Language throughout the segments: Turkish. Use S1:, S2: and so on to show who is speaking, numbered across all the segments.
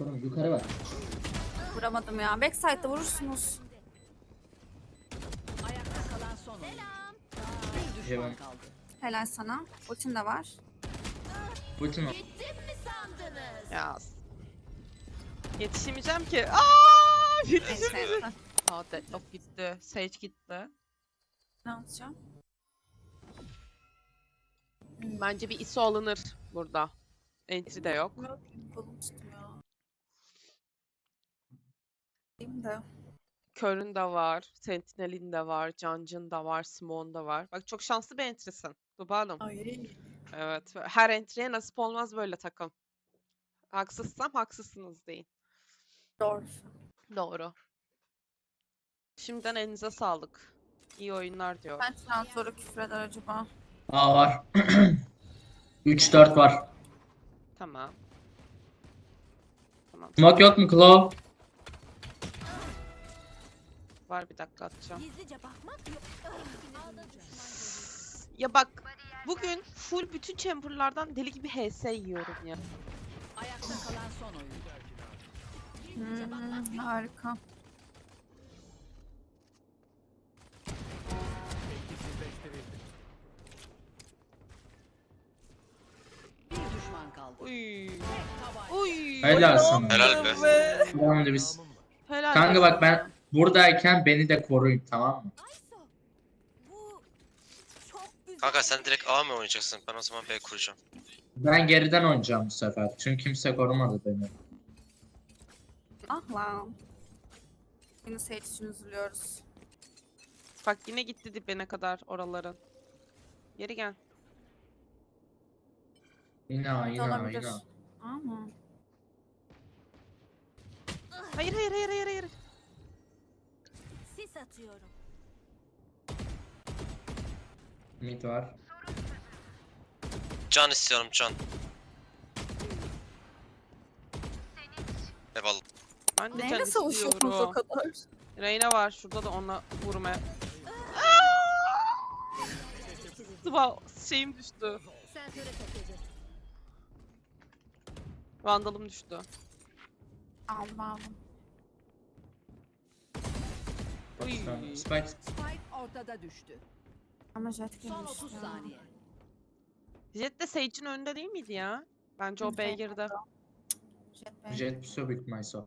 S1: Korum yukarı bak.
S2: Vuramadım ya. Backside'da vurursunuz.
S3: Ayakta kalan son oyun. Bir
S1: Hemen.
S3: düşman kaldı.
S2: Helal sana. Ultin de var.
S1: Ultim var.
S4: Ya. Yetişemeyeceğim ki. Yetişemeyeceğim.
S2: Neyse.
S4: Deadlock gitti. Sage gitti.
S2: Ne yapacağım?
S4: Bence bir ISO alınır burada. Entry de yok.
S2: Yok. Kolum tutmuyor. Değil de.
S4: Kör'ün de var. Sentinel'in de var. Cancın da var. Simon da var. Bak çok şanslı bir entry'sin. Tuba Hanım.
S2: Ay.
S4: Evet. Her entry'ye nasip olmaz böyle takım. Haksızsam haksızsınız deyin.
S2: Doğru.
S4: Doğru. Şimdiden elinize sağlık. İyi oyunlar diyor.
S2: Ben transferi küfür eder acaba.
S1: Aa var. 3-4 var.
S4: Tamam. Tamam.
S1: Smoke yok mu Claw?
S4: Var, bir dakika atacağım.
S3: Gizlice bakmak yok.
S4: Ya bak, bugün full bütün chamberlardan deli gibi HS yiyorum ya.
S3: Ayakta kalan son oyun.
S2: Harika.
S3: Bir düşman kaldı.
S4: Uy.
S3: Tabanca.
S4: Uy.
S1: Helal sana.
S5: Helal be.
S1: Tamam da biz.
S4: Helal
S1: Kanka
S4: olsun.
S1: bak ben buradayken beni de koruyun tamam mı?
S3: Bu çok güzel.
S5: Kanka sen direkt A mı oynayacaksın? Ben o zaman B kuracağım.
S1: Ben geriden oynayacağım bu sefer. Çünkü kimse korumadı beni.
S2: Ah lan. Yine Sage için üzülüyoruz.
S4: Bak yine gitti dibine kadar oraların. Geri gel.
S1: Yine
S2: Olabilir.
S1: yine.
S2: Ama.
S4: Hayır hayır hayır hayır hayır.
S3: Sis atıyorum.
S1: Mid var.
S5: Can istiyorum can. Eyvallah.
S4: Ben de
S2: Neyle
S4: can
S2: savaşıyorsunuz o
S4: istiyorum.
S2: kadar?
S4: Reyna var şurada da onunla vurmaya. Sıva şeyim düştü.
S3: Sensöre takıldı.
S4: Vandalım düştü.
S2: Aldım aldım.
S4: Uy.
S1: Spike.
S3: Spike ortada düştü.
S2: Ama jet
S3: Son
S2: girmiş
S3: 30
S2: ya.
S3: saniye.
S4: Jet de Sage'in önünde değil miydi ya? Bence o B'ye girdi.
S2: Jet Bey.
S1: Jet so big myself.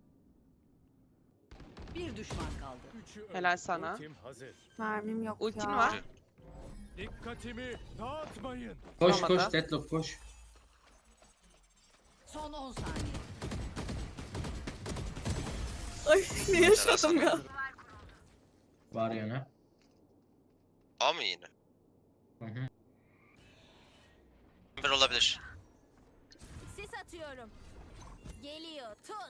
S3: Bir düşman kaldı.
S4: Helal sana.
S6: Ultim hazır.
S2: Mermim yok
S4: Ultin
S2: ya.
S4: var.
S6: Dikkatimi dağıtmayın.
S1: Koş
S4: Olmadı.
S1: koş Deadlock koş.
S3: Son 10 saniye.
S2: Ay ne yaşadım ya.
S1: Var yana.
S5: A mı yine?
S1: Hı hı.
S5: Bir olabilir.
S3: Sis atıyorum. Geliyor. Tut.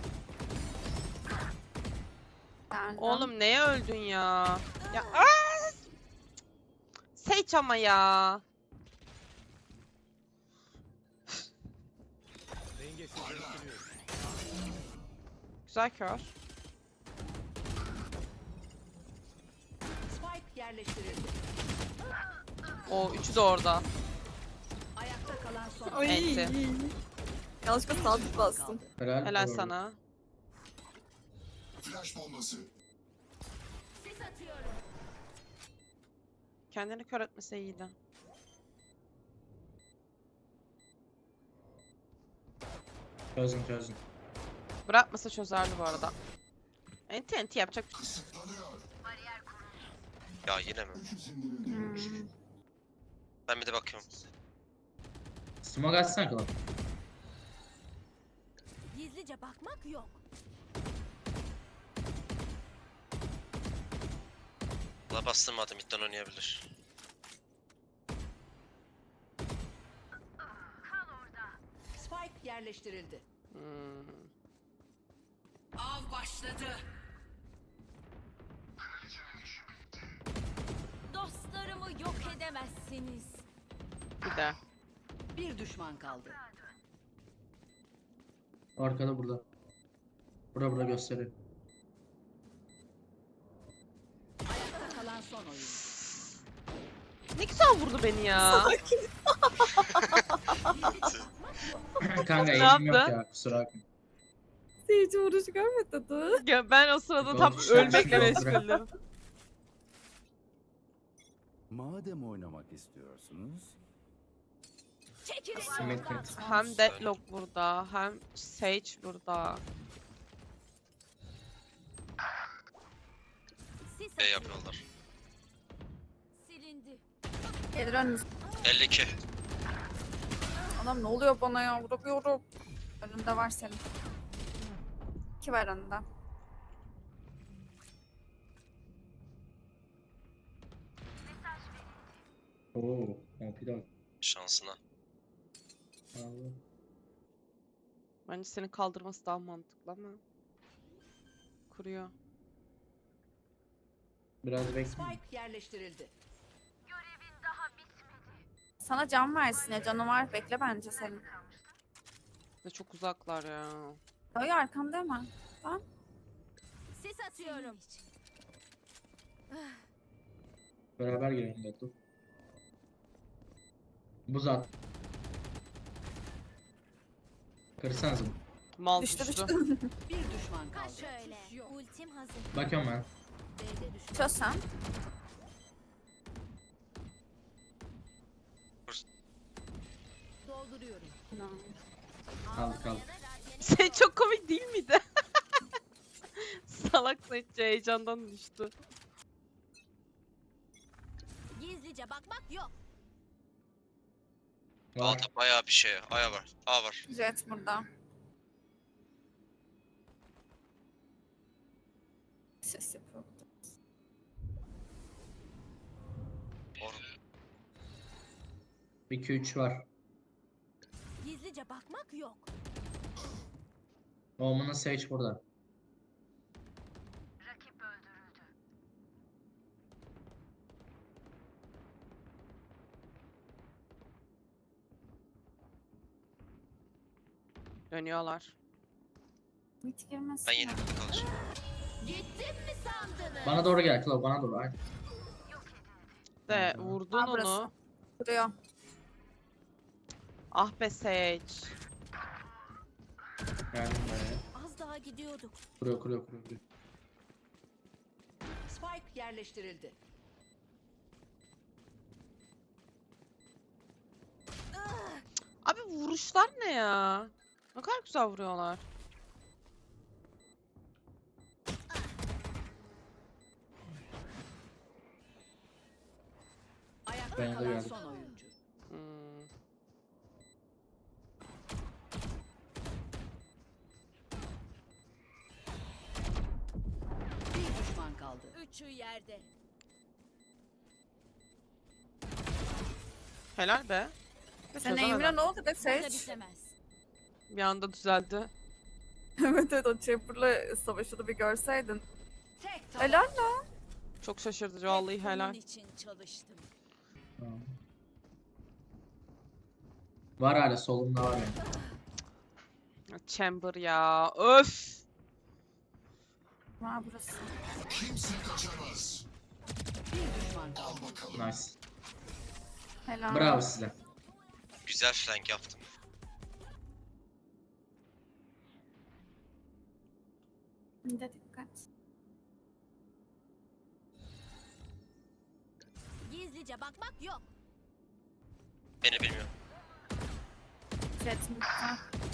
S2: Geldim.
S4: Oğlum neye öldün ya? Ya Sage ama ya.
S6: Dengesizleştiriyorum.
S4: Güzel kör.
S3: Spike yerleştirildi.
S4: O üçü de orada.
S3: Ayakta kalan son
S2: Ay.
S4: Enti.
S2: Yanlışlıkla sabit bastım.
S4: Helal sana.
S7: Flash bombası.
S3: Sis atıyorum.
S4: Kendini kör etmese iyiydi.
S1: Çözün çözün.
S4: Bırakmasa çözerdi bu arada. Enti enti yapacak bir şey.
S7: Kısıtlanıyor.
S5: Ya yine mi?
S7: Güç sindirildi.
S5: Ben bir de bakıyorum.
S1: Smoke açsana Claw.
S3: Gizlice bakmak yok.
S5: La bastırmadım. Midden oynayabilir.
S3: Spike yerleştirildi.
S4: Hmm.
S3: Av başladı. Dostlarımı yok edemezsiniz.
S4: Bir de.
S3: Bir düşman kaldı.
S1: Arkada burada. Burada gösteriyor.
S3: Ayakta kalan son oyun.
S4: Ne güzel vurdu beni ya.
S1: Kanka
S4: Ne
S1: eğim yok
S4: yaptı?
S1: ya kusura bakma.
S2: Hiç vuruş görmedi.
S4: Ya ben o sırada tam
S1: Doğru,
S4: ölmekle
S1: doğru.
S4: meşguldüm.
S7: Madem oynamak istiyorsunuz,
S3: Çekilin
S1: Simetri.
S3: yoldan.
S4: Hem Deadlock burada, hem Sage burada.
S3: Sis
S5: B
S3: atıyorum.
S5: yapıyorlar.
S3: Silindi.
S2: Gelir önümüz.
S5: 52.
S2: Adam ne oluyor bana ya? Vuramıyorum. Önünde var senin. 2 var önünde.
S1: Oo, bir dakika.
S5: Şansına.
S1: Abi.
S4: Bence seni kaldırması daha mantıklı ama. Kuruyor.
S1: Biraz bekle.
S3: Spike yerleştirildi.
S2: Sana can versin ya. Canı var. Bekle bence senin.
S4: Ve çok uzaklar ya.
S2: Dayı arkanda hemen.
S3: Sis atıyorum.
S1: Beraber girelim de dur. Buz at. Kırsanız mı?
S4: Mal
S2: Düştü
S4: düştü.
S2: düştü.
S3: Bir düşman kaldı.
S8: Şöyle. Ultim hazır.
S1: Bakıyorum ben.
S3: B'de düşman.
S2: Çöz sen.
S3: Dolduruyorum.
S1: Kaldı.
S4: Şey çok komik değil miydi? Salak Sage heyecandan düştü.
S8: Gizlice bakmak yok.
S1: Var.
S5: Altta bayağı bir şey. Aya var. A var.
S2: Jet burada. Ses yapıyor.
S5: Or
S1: 2-3 var.
S8: Gizlice bakmak yok.
S1: Omen'ın Sage burada.
S4: Dönüyorlar.
S2: Mit girmesin.
S5: ben yeni bir kalacağım.
S8: Gittim mi sandınız?
S1: Bana doğru gel Claw, bana doğru. Aynen.
S4: De vurdun
S2: Aa, burası.
S4: onu.
S2: Duruyor.
S4: Ah be Sage.
S1: Geldim buraya.
S8: Az daha gidiyorduk.
S1: Kuruyor.
S3: Spike yerleştirildi.
S4: Abi vuruşlar ne ya? Ne kadar güzel vuruyorlar.
S3: Ayakta
S1: Ben de
S3: kalan
S1: geldim.
S3: son oyuncu.
S4: Hmm.
S3: Bir düşman kaldı.
S8: Üçü yerde.
S4: Helal be.
S2: Sen
S4: Çözemedim.
S2: Emre ne oldu be
S8: Burada
S2: Sage?
S8: bitemez.
S4: Bir anda düzeldi.
S2: Evet o Chamber'la savaşını bir görseydin.
S3: Tek taban.
S2: Helal lan.
S4: Çok şaşırtıcı vallahi
S8: Hep
S4: helal.
S8: bunun için çalıştım.
S1: Tamam. Var hala solumda var yani.
S4: Chamber ya. Öf.
S2: Var burası.
S3: Bir düşman kaldı.
S1: Nice.
S2: Helal.
S1: Bravo size.
S5: Güzel flank yaptım.
S2: Bir de dikkat.
S8: Gizlice bakmak yok.
S5: Beni bilmiyor.
S2: Jet mitte.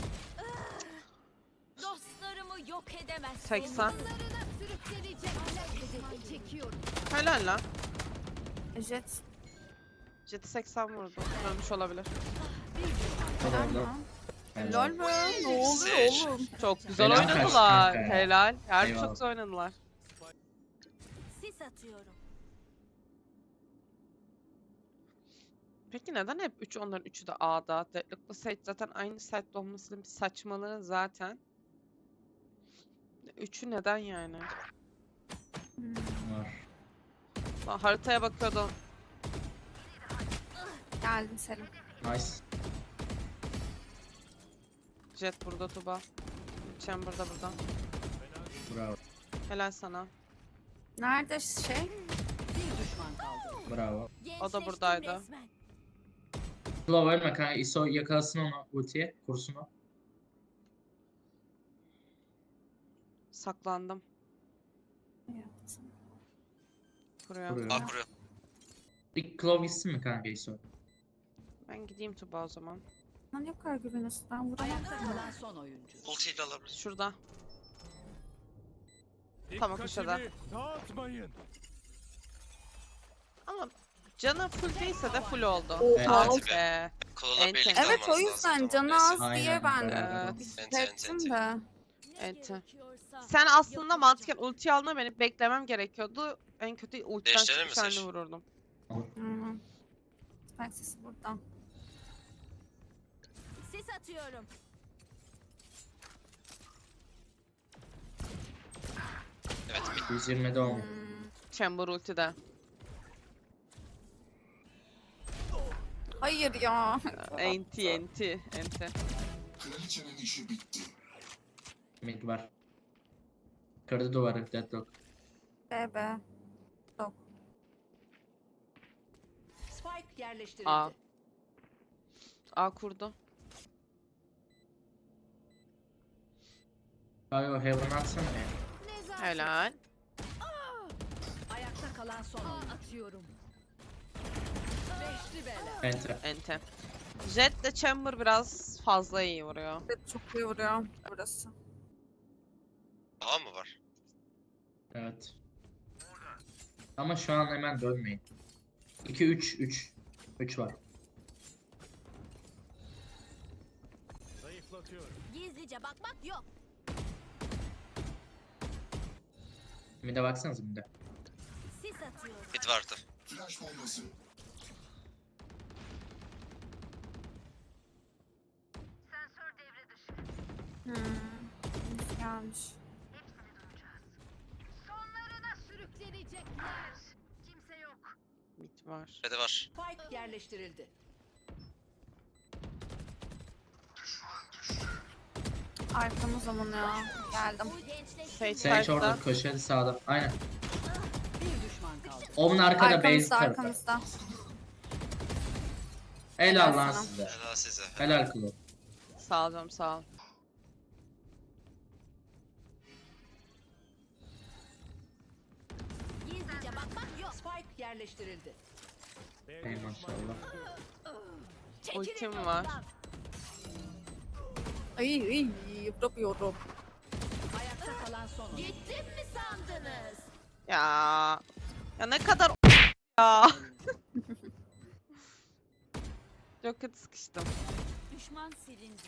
S8: Dostlarımı yok edemezsin.
S4: 80.
S8: Sürüklenecek. Çekiyorum.
S4: Helal lan.
S2: Jet.
S4: Jet'i 80 vurdu. Ölmüş olabilir.
S2: Helal
S1: Helal.
S2: lan. Helal be. Ne oluyor
S5: Sage.
S2: oğlum?
S4: Çok güzel
S1: Helal
S4: oynadılar.
S1: kanka ya.
S4: Helal. Harbi
S1: Eyvallah.
S4: çok güzel oynadılar.
S8: Sis atıyorum.
S4: Peki neden hep 3 onların 3'ü de A'da? Deadlock'la Sage zaten aynı site'de olmasının bir saçmalığı zaten. 3'ü neden yani?
S1: Var.
S4: Lan haritaya bakıyordum.
S2: Geldim Selim.
S1: Nice.
S4: Jet burada, Tuba. Chamber da burada.
S1: Bravo.
S4: Helal sana.
S2: Nerede şey?
S3: Bir düşman kaldı.
S1: Bravo.
S8: Gençleştim
S4: buradaydı.
S8: resmen.
S1: Claw ölme kanka. ISO yakalasın onu ultiye. Kursun o.
S4: Saklandım. Buraya.
S1: Kuruyor.
S5: A kuruyor.
S1: İlk Claw gitsin mi kanka ISO?
S4: Ben gideyim Tuba o zaman.
S2: Lan yok kadar güveniyorsun. Ben vuramam.
S3: Ayakta kalan son oyuncu.
S5: Ultiyle alabilir.
S4: Şurada. Tamam, köşede.
S6: Dikkatimi dağıtmayın.
S4: Ama canı full değilse de full oldu.
S1: Evet.
S4: Ah be.
S5: Kola
S4: Ente.
S5: birlikte
S2: Evet o
S5: almanız
S2: yüzden
S5: lazım.
S2: canı
S5: Tamam,
S2: az
S1: Aynen,
S2: diye ben
S1: beraber.
S4: Evet.
S2: hissettim de.
S8: Ne
S4: Evet.
S8: gerekiyorsa
S4: Sen aslında
S8: yapacağım.
S4: mantıken ulti alma beni beklemem gerekiyordu. En kötü ultiden
S5: Değiştirelim
S4: çıkıp
S5: mi
S4: seni
S5: Seç?
S4: vururdum.
S2: Hı. Spike sesi buradan.
S8: Sis atıyorum.
S5: Evet mid.
S1: 120'de olmuyor.
S4: Chamber ultide.
S2: Hayır ya.
S4: Enti.
S1: Mid var. Kırdı duvarı Deadlock.
S2: Bebe.
S3: Spike yerleştirildi.
S4: A. A kurdu.
S1: Kayo Heaven atsana ya.
S8: Nezaket.
S4: Helal.
S3: Ayakta kalan son oyuncu.
S8: Atıyorum.
S3: Beşli bela.
S1: Enter.
S4: Ente. Jet de Chamber biraz fazla iyi vuruyor.
S2: Evet, çok iyi vuruyor burası.
S5: A mı var?
S1: Evet. Ama şu an hemen dönmeyin. 2-3. 3 var.
S6: Zayıflatıyorum.
S8: Gizlice bakmak yok.
S1: Mid'e baksanıza mid'e.
S8: Sis atıyorum.
S5: Mid vardı.
S2: Gelmiş.
S8: Sürüklenecekler. Kimse yok.
S4: Mid var.
S5: Red'e var.
S3: Spike yerleştirildi.
S2: Arkamız zaman ya. Geldim.
S8: Bu gençleşti.
S4: Sage
S1: Sage orada
S4: side'da.
S1: köşede sağda. Aynen.
S3: Bir düşman kaldı.
S1: Onun arkada base
S2: Arkamızda
S1: tarafı.
S2: arkamızda.
S1: Helal
S2: Helal
S1: lan
S2: sana.
S1: size.
S5: Helal size.
S1: Helal Klo.
S4: Sağ ol canım sağ ol.
S8: Gizlice bakmak yok.
S3: Spike yerleştirildi.
S6: B'de
S1: Ey
S6: düşman
S1: maşallah.
S8: Çekilin
S4: Ultim var.
S8: yolumdan.
S2: Ay yapıyorum.
S3: Ayakta kalan son oyuncu.
S8: Gittim mi sandınız?
S4: Ya. Ya ne kadar ya. Çok kötü sıkıştım.
S8: Düşman silindi.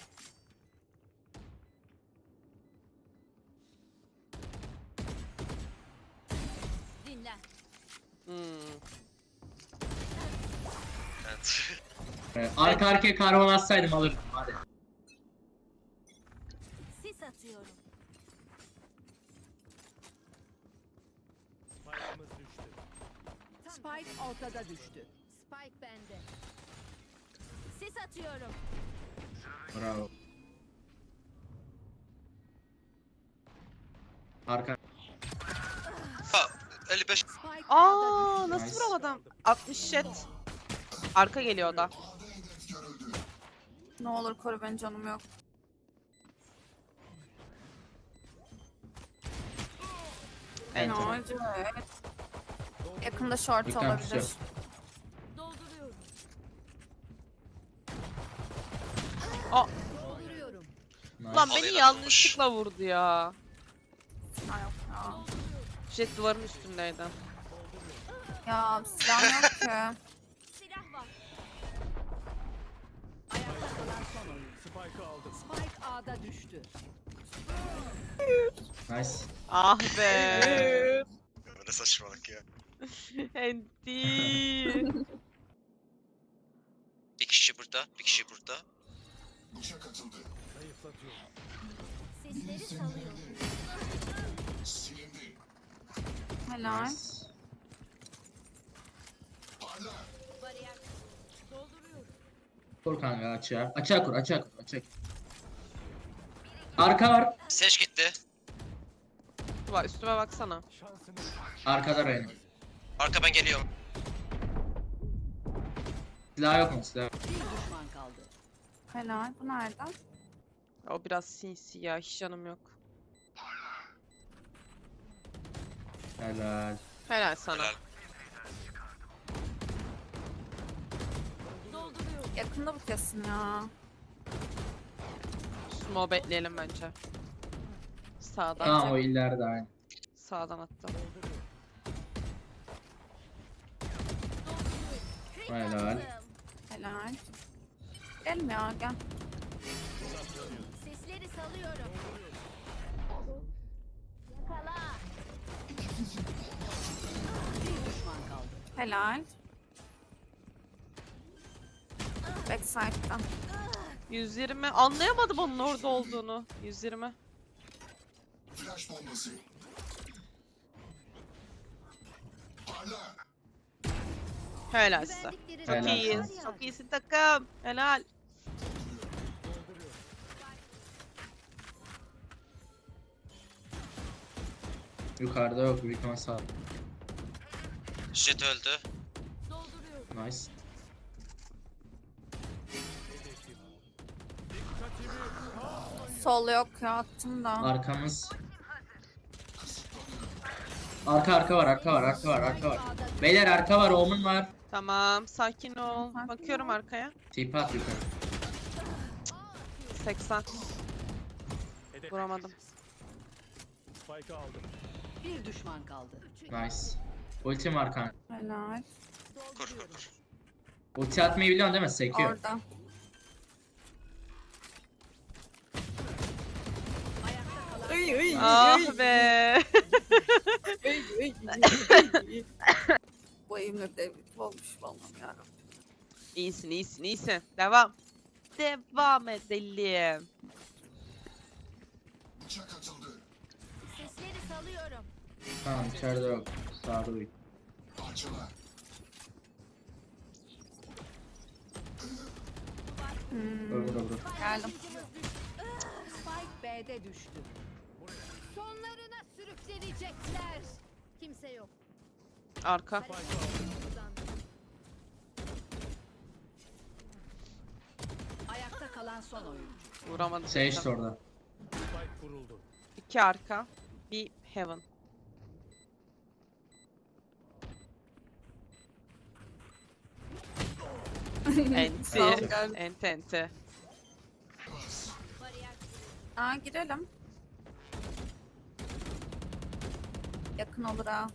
S8: Dinlen.
S5: Evet.
S1: Arka arkaya karbon atsaydım alırdım hadi.
S8: Sis atıyorum.
S6: Spike'ımız düştü.
S3: Spike ortada düştü.
S8: Spike bende. Sis atıyorum.
S1: Bravo. Arka.
S5: Ha 55.
S3: Spike A'da düştü.
S4: Aa nasıl
S1: Nice.
S4: vuramadım? 60 jet. Arka geliyor o da.
S2: Ne olur koru beni, canım yok.
S4: Enter.
S2: Acı. Yakında short
S1: Dikkat
S2: olabilir.
S1: tutuyor.
S8: Dolduruyorum.
S3: Dolduruyorum.
S1: Nice.
S4: Lan beni
S5: Alayla
S4: yanlışlıkla vurdu ya.
S2: Ha, yok ya.
S4: Jet duvarın üstündeydi.
S2: Ya silah yok ki.
S8: Silah var.
S3: Ayakta kalan son oyuncu.
S6: Spike'ı aldım.
S3: Spike A'da düştü.
S1: Nice.
S4: Ah be.
S5: Ne saçmalık ya.
S4: Enti.
S5: Bir kişi burada. Bir kişi burada.
S6: Zayıflatıyorum.
S8: Sesleri salıyorum.
S2: Helal.
S1: Nice.
S8: Bariyer. Dolduruyorum.
S1: Kur kanka açığa. Açığa kur. Açığa kur. Açığa kur. Arka var.
S5: Seç gitti.
S4: Tuba üstüme baksana.
S6: Şansını
S1: Arkada Reyna.
S5: Arka ben geliyorum.
S1: Silah yok mu? Silah yok.
S3: Bir düşman kaldı.
S2: Helal. Bu nereden?
S4: O biraz sinsi ya. Hiç canım yok.
S1: Helal.
S4: Helal sana.
S5: Helal.
S8: Dolduruyorum.
S2: Yakında bu kesin ya.
S4: Smoke bekleyelim bence. Sağdan.
S1: Tamam o ileride aynı.
S4: Sağdan attım.
S1: Helal.
S2: Helal. Gelme ya gel.
S8: Sesleri salıyorum. Yakala.
S3: Bir düşman kaldı.
S2: Helal. Backside'dan.
S4: 120. Anlayamadım onun orada olduğunu. 120. Helal size.
S8: Güvendikleri
S4: Çok
S1: Helal
S4: iyiyiz.
S1: sana.
S4: Çok iyisin takım. Helal.
S1: Yukarıda yok. Büyük ihtimal sağ.
S5: Jet öldü.
S8: dolduruyorum.
S1: Nice.
S2: Sol yok ya attım da.
S1: Arkamız. Arka var. Beyler arka var. Omun var.
S4: Tamam. Sakin ol.
S2: Sakin
S4: Bakıyorum
S2: ol.
S4: arkaya.
S1: Tipi at yukarı.
S4: 80.
S6: Hedef.
S4: Vuramadım.
S6: Spike'ı aldım.
S3: Bir düşman kaldı.
S1: Nice. Ultim var kanka.
S2: Helal.
S5: Kur kur kur.
S1: Ulti atmayı biliyorsun değil mi? Sekiyor.
S2: Orada.
S4: Ah be.
S2: Bu evimde devlet olmuş vallahi ya.
S4: İyisin. Devam. Devam edelim.
S8: Sesleri salıyorum.
S1: Tamam içeride yok. Sağda büyük. Öbür.
S2: Geldim.
S3: Spike B'de düştü.
S8: Sonlarına sürüklenecekler. Kimse yok.
S4: Arka.
S3: Ayakta kalan son oyuncu.
S4: Vuramadım.
S1: Sage de orada.
S6: Spike kuruldu.
S4: 2 arka. Bir heaven. Enti.
S2: Sağ ol, gel.
S4: Enti.
S8: Bariyer.
S2: Aa girelim. Yakın olur ha.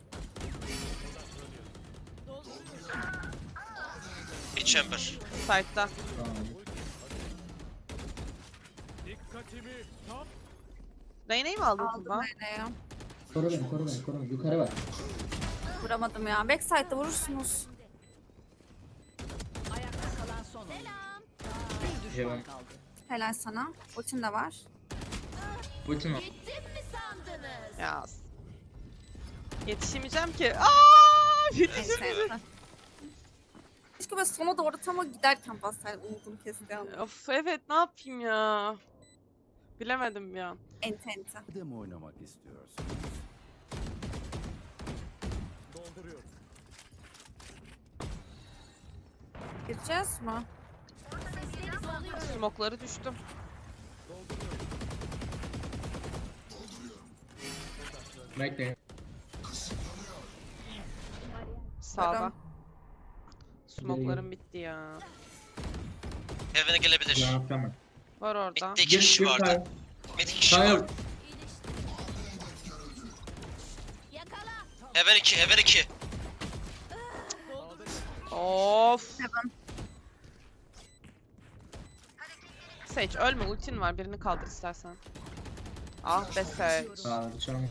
S5: Bir chamber.
S4: Side'da.
S1: Tamam.
S6: Dikkatimi tam.
S4: Reyna'yı mı aldın
S2: Aldım
S4: Tuba?
S2: nereye?
S1: Koru beni. Yukarı bak.
S2: Vuramadım ya. Backside'da vurursunuz.
S3: Ayakta kalan son oyuncu. Bir düşman
S1: Heaven.
S3: kaldı.
S2: Helal sana. Ultin de var.
S1: Ultim var.
S8: Gittim mi sandınız?
S4: Ya. Yetişemeyeceğim ki. Aa! Yetişemeyeceğim.
S2: Neyse. Keşke böyle sona doğru tam o giderken bassaydım. Umudum kesti ama.
S4: Of evet ne yapayım ya. Bilemedim ya.
S2: Ente ente.
S7: Madem oynamak istiyorsunuz,
S6: Dolduruyorum.
S2: Gireceğiz mi?
S8: Sesleri salıyorum.
S4: Smokları düştüm.
S1: Bekleyin.
S4: Sağda.
S2: Varım.
S4: Smoklarım bitti ya.
S5: Heaven'e gelebilir.
S1: Ne yapacağım ben?
S4: Var orada.
S5: Mid'de 2 kişi vardı. Mid 2 kişi
S1: Hayır.
S5: var.
S8: Yakala.
S5: Heaven 2. Heaven 2.
S4: Of. Sage ölme ultin var birini kaldır istersen. Ah be Sage.
S1: Sağda çalma.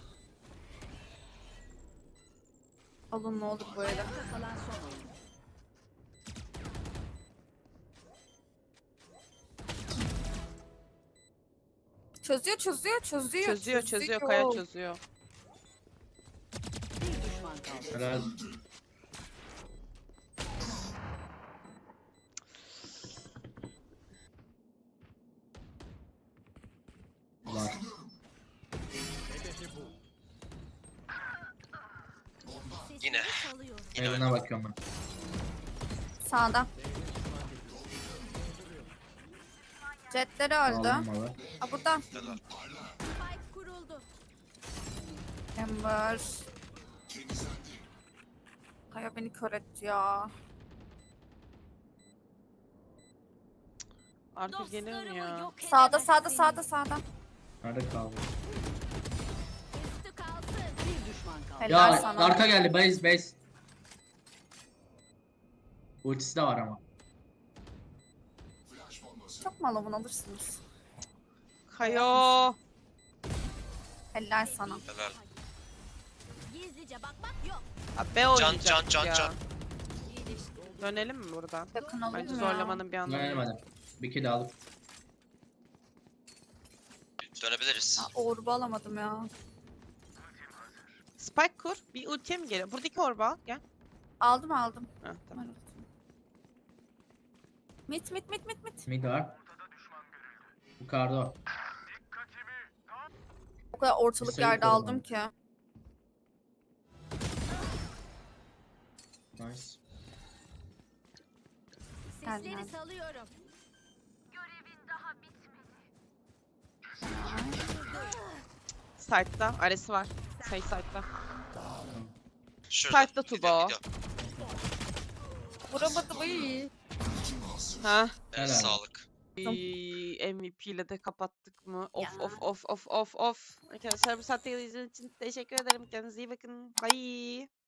S2: Alın ne olur böyle.
S3: Ayakta kalan son oyuncu.
S2: Çözüyor.
S4: Çözüyor kaya çözüyor.
S3: Bir düşman kaldı.
S1: Helal. Var.
S6: Hedefi bu.
S8: Sesleri
S5: Yine.
S8: salıyorum.
S5: Yine öldü.
S1: Evine bakıyorum ben.
S2: Sağda. Jetleri öldü.
S1: Aldım malı.
S2: Aa burada.
S5: Helal.
S8: Spike kuruldu.
S2: Ember. Kaya beni kör etti ya.
S4: Arka gelir mi
S8: Dostlarımı
S4: ya?
S8: yok
S2: Sağda
S8: edemezsiniz.
S2: sağda.
S1: Nerede kaldı?
S8: Üstü kalsın.
S3: Bir düşman kaldı.
S2: Helal
S1: Ya
S2: sana.
S1: arka geldi. Base. Ultisi de var ama.
S2: Çok malavun alırsınız.
S4: Kayo.
S2: Helal sana.
S5: Helal.
S8: Gizlice bakmak yok.
S4: Ha, B oynayacaktık
S5: can, can,
S4: ya.
S5: can.
S4: Dönelim mi buradan?
S2: Yakın olur
S4: Bence
S2: mu
S4: zorlamanın bir anlamı yok.
S1: Dönelim hadi. Bir kill alıp.
S5: Dönebiliriz.
S2: ya? Orbu alamadım ya.
S4: Spike kur. Bir ultiye mi geliyor? Buradaki orba al. Gel.
S2: Aldım.
S4: Heh, tamam.
S2: Mit.
S1: Mid var. Yukarıda o.
S2: O kadar ortalık
S1: Sayı
S2: yerde
S1: korumalı.
S2: aldım ki.
S1: Nice.
S8: Sesleri
S2: Gel.
S8: salıyorum.
S4: Side'da. Aresi var. Say side'da.
S5: Şurada.
S4: Side'da
S5: Gidiyor,
S4: Tuba.
S5: gidiyor.
S2: Vuramadım iyi.
S4: Ha.
S5: Evet,
S1: Helal.
S5: sağlık.
S4: MVP ile de kapattık mı? Of
S8: Ya.
S4: of. Arkadaşlar bu saatte izlediğiniz için teşekkür ederim. Kendinize iyi bakın. Bye.